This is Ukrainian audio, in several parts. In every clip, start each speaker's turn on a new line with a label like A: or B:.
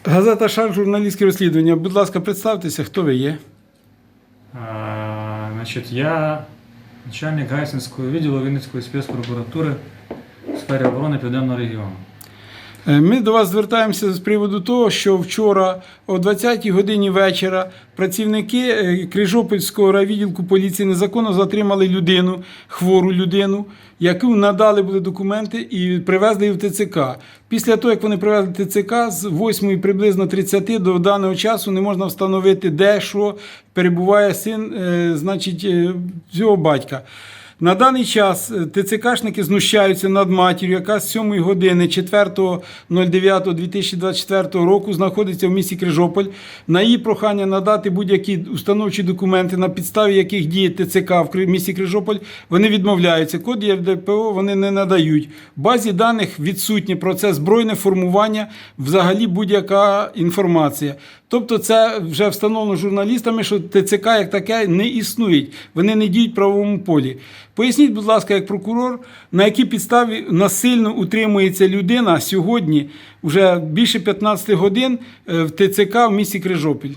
A: Газета «Шар», журналістське розслідування. Будь ласка, представтеся, хто ви є?
B: Я начальник Гайсинського відділу Вінницької спецпрокуратури у сфері оборони Південного регіону.
A: Ми до вас звертаємося з приводу того, що вчора о 20-й годині вечора працівники Крижопільського райвідділку поліції незаконно затримали людину, хвору людину, яку надали були документи і привезли її в ТЦК. Після того, як вони привезли в ТЦК, з 8 приблизно 30 до даного часу не можна встановити, де, що перебуває син, цього батька. На даний час ТЦКшники знущаються над матір'ю, яка з 7 години 4.09.2024 року знаходиться в місті Крижополь. На її прохання надати будь-які установчі документи, на підставі яких діє ТЦК в місті Крижополь, вони відмовляються. Код ЄРДПО вони не надають. В базі даних відсутнє про це збройне формування, взагалі будь-яка інформація. Тобто це вже встановлено журналістами, що ТЦК як таке не існує. Вони не діють в правовому полі. Поясніть, будь ласка, як прокурор, на якій підставі насильно утримується людина сьогодні, вже більше 15 годин в ТЦК в місті Крижопіль?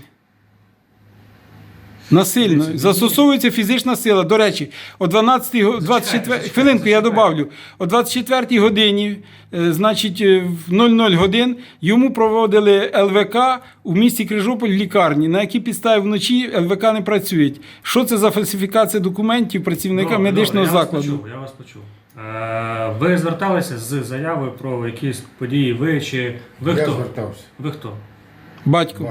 A: Насильно. Застосовується фізична сила. До речі, о 24 годині, в 00 годин, йому проводили ЛВК у місті Крижополь в лікарні, на якій підставі вночі ЛВК не працюють. Що це за фальсифікація документів працівника медичного закладу?
B: Я вас почув. Ви зверталися з заявою про якісь події, ви чи ви хто?
C: Я звертався.
B: Ви хто?
A: Батько.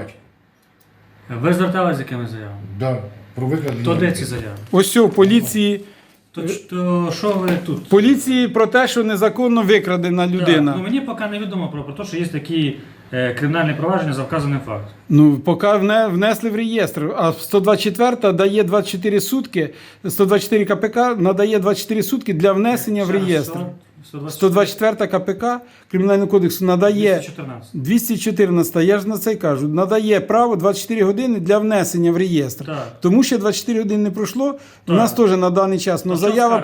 B: Ви зверталися з якими заявами?
C: Да, про викрадення.
B: То де ці заяви?
A: Ось у поліції.
B: То що ви тут?
A: Поліції про те, що незаконно викрадена людина.
B: Так, мені поки невідомо про те, що є такі кримінальні провадження за вказаним фактом.
A: Поки внесли в реєстр. А 124 дає 24 сутки, 124 КПК надає 24 сутки для внесення в реєстр. 124 КПК Кримінального кодексу надає 214, я ж на це й кажу, надає право 24 години для внесення в реєстр.
B: Так.
A: Тому що 24 години не пройшло, у нас теж на даний час, але заява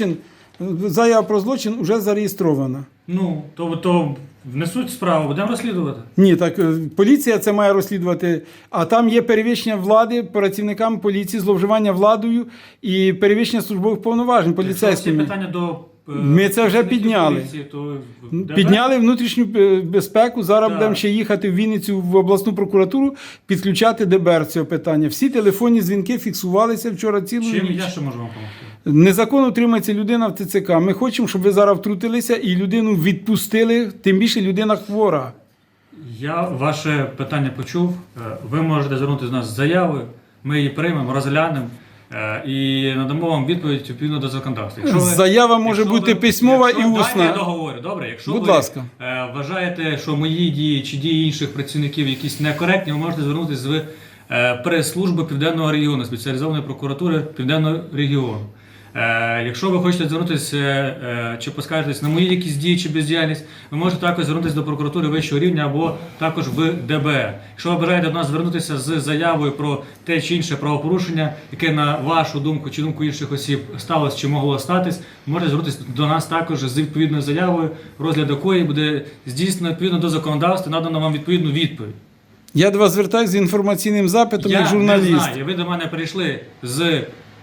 A: про злочин вже зареєстрована.
B: То внесуть справу, будемо розслідувати.
A: Ні, так поліція це має розслідувати, а там є перевищення влади працівниками поліції, зловживання владою і перевищення службових повноважень поліцейськими.
B: Якщо питання до
A: ми це вже підняли.
B: Поліції,
A: Підняли внутрішню безпеку, зараз будемо ще їхати в Вінницю в обласну прокуратуру, підключати ДБР цього питання. Всі телефонні дзвінки фіксувалися вчора цілу ніч.
B: Чим я ще можу вам допомогти?
A: Незаконно утримується людина в ТЦК. Ми хочемо, щоб ви зараз втрутилися і людину відпустили, тим більше людина хвора.
B: Я ваше питання почув. Ви можете звернутися до нас з заявою, ми її приймемо, розглянемо і надамо вам відповідь відповідно до законодавства.
A: Заява може бути письмова і усна.
B: Дайте я договорю, добре? Якщо
A: будь
B: ви
A: ласка.
B: Вважаєте, що мої дії чи дії інших працівників якісь некоректні, ви можете звернутися в прес-службу Південного регіону, спеціалізованої прокуратури Південного регіону. Якщо ви хочете звернутися чи поскаржитись на мої якісь дії чи бездіяльність, ви можете також звернутися до прокуратури вищого рівня або також в ДБР. Якщо ви бажаєте до нас звернутися з заявою про те чи інше правопорушення, яке на вашу думку чи думку інших осіб сталося чи могло статись, ви можете звернутися до нас також з відповідною заявою, розгляд якої буде здійснено відповідно до законодавства, надано вам відповідну відповідь.
A: Я до вас звертаюся з інформаційним запитом як журналіст.
B: Я не знаю, ви до мене прийшли з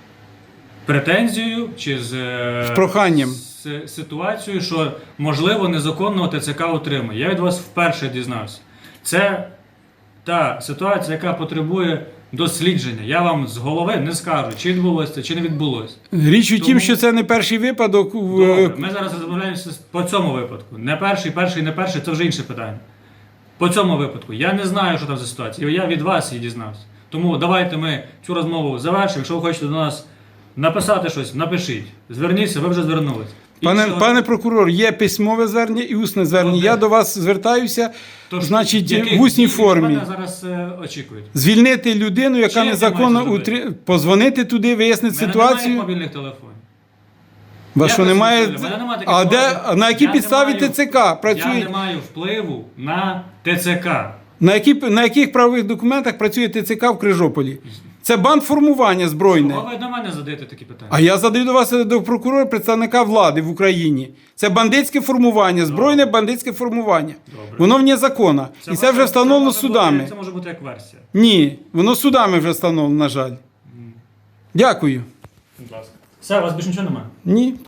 B: претензією чи з
A: проханням,
B: з ситуацією, що можливо незаконного ТЦК утримує. Я від вас вперше дізнався. Це та ситуація, яка потребує дослідження. Я вам з голови не скажу, чи відбулося, чи не відбулося.
A: Річ у тім, що це не перший випадок.
B: Добре, ми зараз розмовляємося по цьому випадку. Не перший, не перший, це вже інше питання. По цьому випадку. Я не знаю, що там за ситуація. Я від вас її дізнався. Тому давайте ми цю розмову завершимо. Якщо ви хочете до нас написати щось, напишіть. Зверніться, ви вже звернулись.
A: Пане прокурор, є письмове звернення і усне звернення. Я до вас звертаюся, в усній формі.
B: Мене зараз очікують.
A: Звільнити людину, яка незаконно позвонити туди, вияснити ситуацію.
B: Немає мобільних телефонів.
A: Вас що немає? На якій підставі ТЦК працює?
B: Я не маю впливу на ТЦК.
A: На яких правових документах працює ТЦК в Крижополі? Це бандформування збройне.
B: Чого ви до мене задаєте такі питання?
A: А я задаю до вас до прокурора, представника влади в Україні. Це бандитське формування, збройне бандитське формування.
B: Добре.
A: Воно вне закону. І це вже встановлено судами.
B: Це може бути як версія.
A: Ні, воно судами вже встановлено, на жаль. Дякую.
B: Будь ласка. Все, у вас більше нічого немає?
A: Ні.